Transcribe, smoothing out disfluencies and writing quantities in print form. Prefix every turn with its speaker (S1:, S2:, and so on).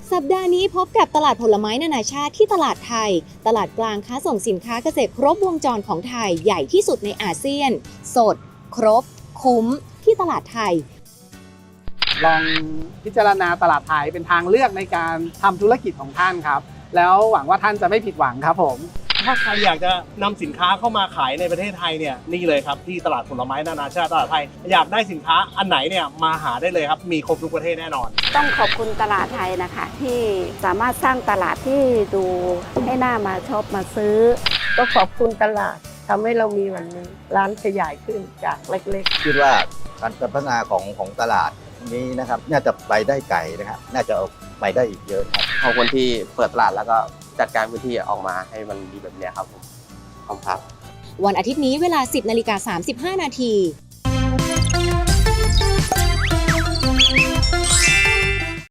S1: สัปดาห์นี้พบกับตลาดผลไม้นานาชาติที่ตลาดไทยตลาดกลางค้าส่งสินค้าเกษตรครบวงจรของไทยใหญ่ที่สุดในอาเซียนสดครบคุ้มที่ตลาดไทย
S2: ลองพิจารณาตลาดไทยเป็นทางเลือกในการทำธุรกิจของท่านครับแล้วหวังว่าท่านจะไม่ผิดหวังครับผม
S3: ถ้าใครอยากจะนำสินค้าเข้ามาขายในประเทศไทยเนี่ยนี่เลยครับที่ตลาดผลไม้นานาชาติตลาดไทยอยากได้สินค้าอันไหนเนี่ยมาหาได้เลยครับมีครบทุกประเทศแน่นอน
S4: ต้องขอบคุณตลาดไทยนะคะที่สามารถสร้างตลาดที่ดูให้น่ามาชอบมาซื้อ
S5: ก็ขอบคุณตลาดทำให้เรามีวันนี้ร้านขยายขึ้นจากเล็กๆ
S6: คิดว่าการพัฒนาของตลาดนี้นะครับน่าจะไปได้ไกลนะครับน่าจะไปได้อีกเยอะครับ
S7: ขอบคุณที่เปิดตลาดแล้วก็จัดการพื้นที่ออกมาให้มันดีแบบนี้ครับผมขอบคุณครับ
S1: วันอาทิตย์นี้เวลา 10:35 นาที